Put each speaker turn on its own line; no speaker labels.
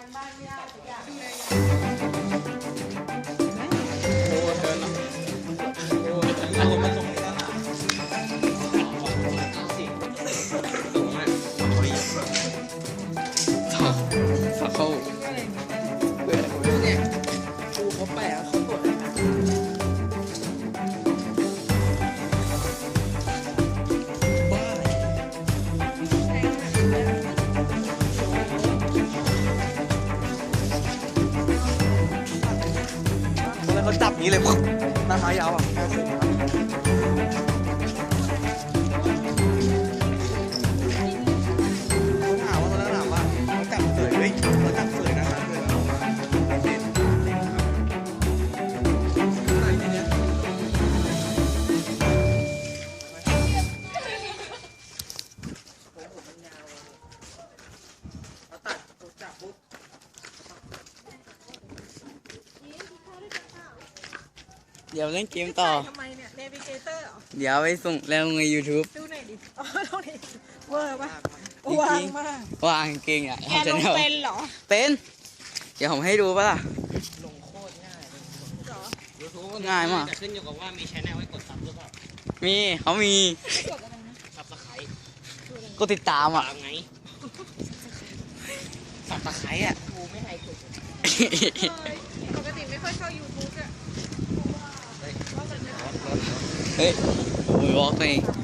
บ้านไม่ได้สักอย่าง
โอ้เดินโอ้เอาผมมาส่งนี่แล้วล่ะสูงมากสอบเข้าเบื่อเนี่ยครูเขาแปลเขาตรวจบ้าแล้วเขาจับนี้เลยหน้าเท้ายาวอ่ะเขาถามว่าเขาถามว่าเขาจับเสยเฮ้ยเขาจับเสยนะคะเสยแล้วมาเด็ดไหนเนี่ยผมมันยาวเราตัดจับปุ๊บเดี๋ยวเล่นเกมต่อ
ทำไมเนี่ยเนวิเกเตอร์เหรอ
เดี๋ยวไปส่งแล้วใน YouTube
ดูหน่อยดิอ๋อตรงนี้เวอร์ป่ะ
จริงๆ
วางมาก
วางเก่งอ่ะ
แกลงเป็นเหรอ
เป็น เดี๋ยวผมให้ดูป่ะล่ะ
ลงโคตรง่ายเลย
เหรอ
YouTube
ง่ายมาก
แต่ขึ้นอยู่กับว่ามีชแนลไว้กดซับหรือเปล่า
มีเขามี
กดอะไรนะ
ซับสไครต์
ก็ติดตามอ่ะ
ตามไง
สับตะไคร้อ่ะ
กูไม่ให้กด
ปกติไม่ค่อยเข้า YouTube อะ
เฮ้ยโอ้ยวอล์กตัวเอง